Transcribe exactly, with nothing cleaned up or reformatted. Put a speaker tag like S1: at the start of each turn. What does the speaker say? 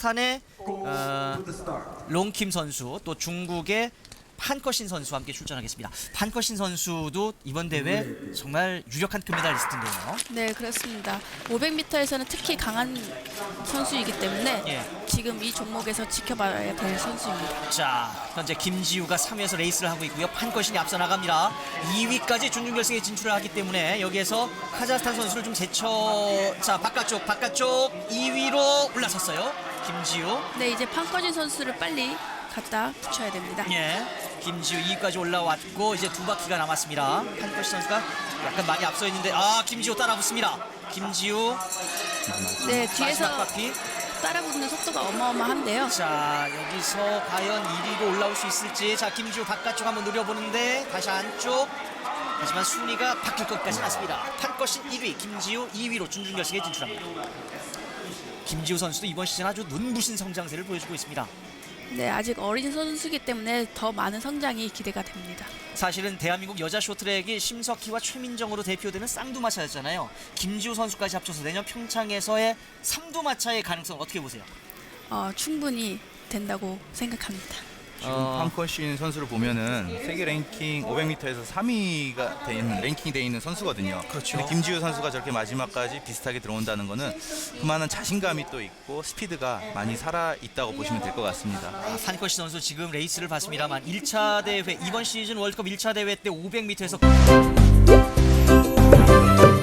S1: 카자흐스탄의 어, 롱킴 선수, 또 중국의 판커신 선수와 함께 출전하겠습니다. 판커신 선수도 이번 대회 정말 유력한 금메달리스트인데요.
S2: 네, 그렇습니다. 오백 미터에서는 특히 강한 선수이기 때문에
S1: 예.
S2: 지금 이 종목에서 지켜봐야 될 선수입니다.
S1: 자, 현재 김지우가 삼 위에서 레이스를 하고 있고요. 판커신이 앞서 나갑니다. 이 위까지 준중결승에 진출을 하기 때문에 여기에서 카자흐스탄 선수를 좀 제쳐. 자, 바깥쪽 바깥쪽 이 위로 올라섰어요. 김지우.
S2: 네, 이제 판커진 선수를 빨리 갖다 붙여야 됩니다.
S1: 예. 김지우 이 위까지 올라왔고 이제 두 바퀴가 남았습니다. 판커신 선수가 약간 많이 앞서 있는데 아, 김지우 따라붙습니다. 김지우
S2: 네,
S1: 마지막
S2: 뒤에서
S1: 바퀴.
S2: 따라붙는 속도가 어마어마한데요.
S1: 자, 여기서 과연 일 위로 올라올 수 있을지. 자, 김지우 바깥쪽 한번 노려보는데 다시 안쪽. 하지만 순위가 바뀔 것까지 났습니다. 판커신 일 위, 김지우 이 위로 준중결승에 진출합니다. 김지우 선수도 이번 시즌 아주 눈부신 성장세를 보여주고 있습니다.
S2: 네, 아직 어린 선수이기 때문에 더 많은 성장이 기대가 됩니다.
S1: 사실은 대한민국 여자 쇼트랙이 심석희와 최민정으로 대표되는 쌍두마차였잖아요. 김지우 선수까지 합쳐서 내년 평창에서의 삼두마차의 가능성 어떻게 보세요?
S2: 어, 충분히 된다고 생각합니다.
S3: 지금
S1: 어.
S3: 판커신 선수를 보면은 세계 랭킹 오백 미터에서 삼 위가 돼 있는 랭킹이 돼 있는 선수거든요.
S1: 그렇죠.
S3: 근데 김지우 선수가 저렇게 마지막까지 비슷하게 들어온다는 거는 그만한 자신감이 또 있고 스피드가 많이 살아 있다고 보시면 될 것 같습니다.
S1: 아, 판커시 선수 지금 레이스를 봤습니다만 일 차 대회, 이번 시즌 월드컵 일 차 대회 때 오백 미터에서